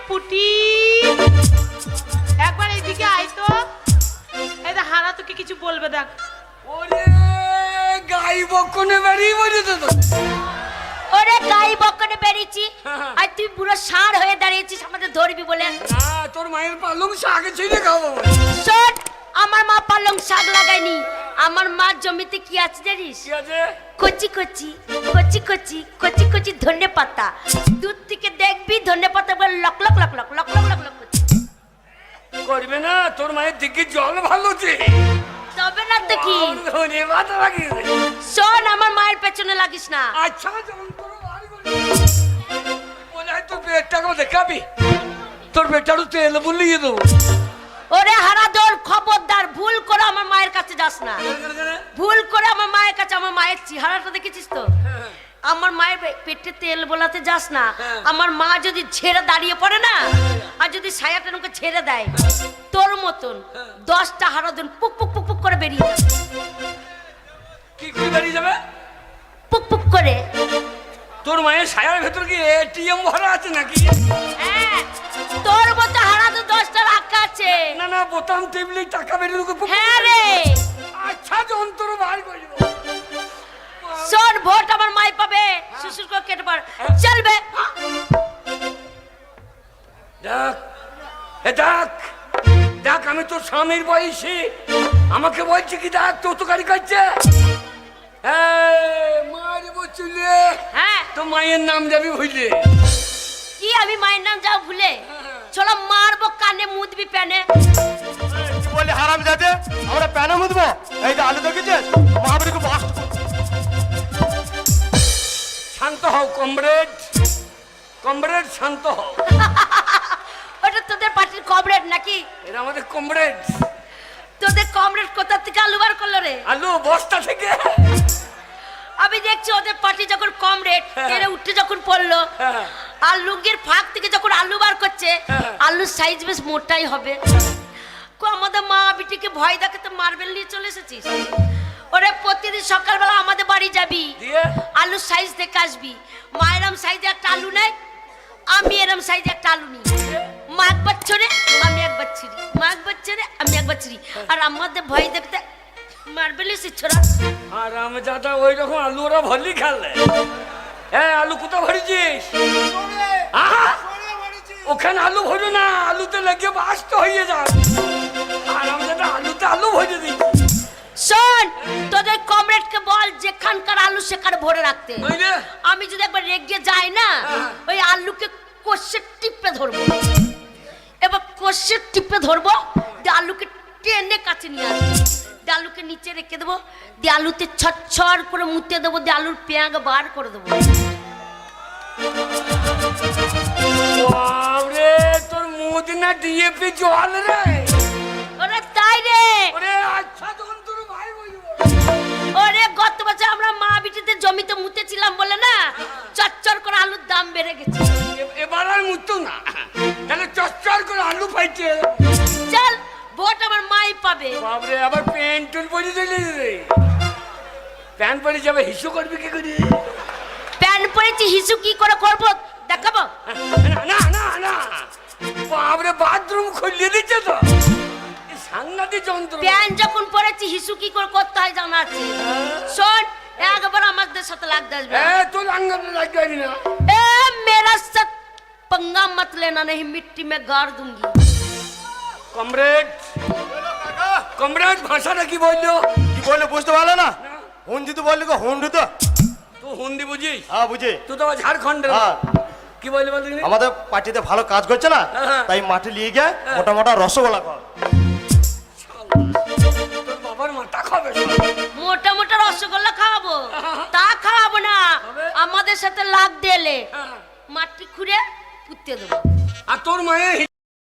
পুটি একবার এইদিকে আয় তো। এই দেখ হারা তোকে কিছু বলবে দেখ। ওরে গাই বকনে বেরিয়ে বলেছে তো। ওরে গাই বকনে বেরিয়েছি আর তুই পুরো ষাঁড় হয়ে দাঁড়িয়েছিস আমাদের ধরবি বলে। না তোর মায়ের পালং শাক ছিঁড়ে খাবো। শোন, আমার মা পালং শাক লাগায়নি, আমার মা জমিতে কি আছে জানিস? কি আছে? কচি কচি কচি কচি কচি কচি ধনে পাতা। দূর থেকে দেখবি ধনে পাতা বলে lock lock lock lock lock lock lock lock করছে। করবে না, তোর মায়ের দিকে জল ভালোছে। তবে না তো কি? ধনে পাতা লাগিয়েছে। শোন, আমার মায়ের পেছনে লাগিস না। আচ্ছা যন্ত্র বাড়ি করে মনে হয় তোর পেটটাকেও দেখাবি, তোর পেটটারও তেল বুলিয়ে দেবো। ওরে হারাধন, খবরদার ভুল করে আমার মায়ের কাছে যাস না। ভুল করে আমার মায়ের কাছে, আমার মায়ের চেহারাটা দেখেছিস তো? আমার মায়ের পেটে তেল বোলাতে যাস না। আমার মা যদি ছেড়ে দাঁড়িয়ে পড়ে না, আর যদি ছায়াটা আমাকে ছেড়ে দেয়, তোর মতন 10টা হারাধন পুক পুক পুক পুক করে বেরিয়ে যাবে। কি করে বেরিয়ে যাবে? পুক পুক করে। তোর মায়ের ছায়ার ভেতর কি এটিএম ভরা আছে নাকি? হ্যাঁ, তোর মতো হারাধন 10টা রাখা আছে। না না, বোতাম টিপলেই টাকা বেরিয়ে ঢুকে। হ্যাঁ রে। আচ্ছা যন্ত্র বার করে দেবো। শোন, ভোট আমার মাই পাবে, শ্বশুর করে কেটে পার চলবে। দেখ দেখ দেখ, আমি তোর স্বামীর বয়সী, আমাকে বলছি কি দেখ তো তো গাড়ি কাটছে। মারবো চুলে। হ্যাঁ, তো মায়ের নাম যাবি ভুলে। কি আমি মায়ের নাম যাও ভুলে? চলো মারবো কানে মুদবি প্যানে। কি বলি হারাম যাতে আমরা প্যানে মুদবো? এই যে আলু দেখেছিস মহাবীরকে বাস্ট। শান্ত হও কমরেড, কমরেড শান্ত হও। ওটা তোদের পার্টির কমরেড নাকি? এরা আমাদের কমরেড। তোদের কমরেড কোথা থেকে আলু বার করলো রে? আলু বস্তা থেকে। আমি দেখছি ওদের পার্টি যখন কমরেড এরা উঠে যখন পড়লো, আর লুঙ্গির ফাঁক থেকে যখন আলু বার করছে, আলুর সাইজ বেশ মোটাই হবে। আমাদের মা বিটিকে ভয় দেখাতে মার্বেল নিয়ে চলে এসেছিস। ওরে প্রতিদিন সকালবেলা আমাদের বাড়ি যাবি, আলুর সাইজ দেখে আসবি। মা এরম সাইজে একটা আলু নেয়, আমি এরম সাইজে একটা আলু নিই। মা একবার ছোড়ে, আমি একবার ছিড়ি, মা একবার ছোড়ে, আমি একবার ছিড়ি। আর আমাদের ভয় দেখতে মার্বেল এসে ছোড়া। আর আমি যাতা ওই রকম আলু ওরা ভরলি খেলে। হ্যাঁ, আলু কোথা ভরেছিস? ওখানে আলু ভরো না, আলুতে লেগে বাস্ত হয়ে যায়। আর আমি যাতে আলুতে আলু ভরে দিই। শোন, তোদের কমরেডকে বল যেখানকার আলু সেখানে ভরে রাখতে। আমি যদি একবার রেগে যাই না, ওই আলুকে কষে টিপে ধরবো। এবার কষে টিপে ধরবো, দিয়ে আলুকে টেনে কাছে নিয়ে আসবো, দিয়ে আলুকে নিচে রেখে দেবো, দিয়ে আলুতে ছড় করে মুতে দেবো, দিয়ে আলুর পেঁয়াজ বার করে দেবো। বাবরে, তোর মুখ না ডিএপি জল রে। ওরে তাই রে। ওরে আচ্ছা তখন তোর ভাই বলবো। ওরে গত বছর আমরা মা বিটিতে জমিতে মুতেছিলাম বলে না, চচ্চর করে আলুর দাম বেড়ে গেছে। এবার আর মুতো না, তাহলে চচ্চর করে আলু পাইছে। চল, ভোট আমার মাই পাবে। বাবরে, আবার প্যান্ট টুন পরে দিলি রে। প্যান্ট পরে যাবে, হিসু করবি কি করে? প্যান পরেছি, হিসু কি করে করবো দেখাবো? না না না না, বাবরে বাথরুম খুলিয়ে দিচ্ছে তো। সাংঘাতিক যন্ত্র। প্যান যখন পরেছি, হিসু কি করে করতে হয় জানা আছে। শোন, একবার আমাদের সাথে লাগতে আসবে। তোর আঙ্গালে লাগবে না। ए मेरा साथ पंगा मत लेना, नहीं मिट्टी में गाड़ दूंगी। কমরেড, কমরেড ভাষাটা কি বললো? কি বললে বুঝতে পারলে না? হুন্দি তো বললি গো, হুন্ডু তো। তুই হিন্দি বুঝিস? হ্যাঁ বুঝি। তুই তো আবার ঝাড়খণ্ডের। হ্যাঁ। কি বললি বললি? আমাদের পার্টিতে ভালো কাজ করছে না, তাই মাঠে নিয়ে গিয়ে মোটা মোটা রসগোল্লা কর। তোর বাবার মাথা খাবে। মোটা মোটা রসগোল্লা খাওয়াবো? তা খাওয়াবো না, আমাদের সাথে লাগ দিলে মাটি খুঁড়ে পুঁতে দেবো। আর তোর মায়ের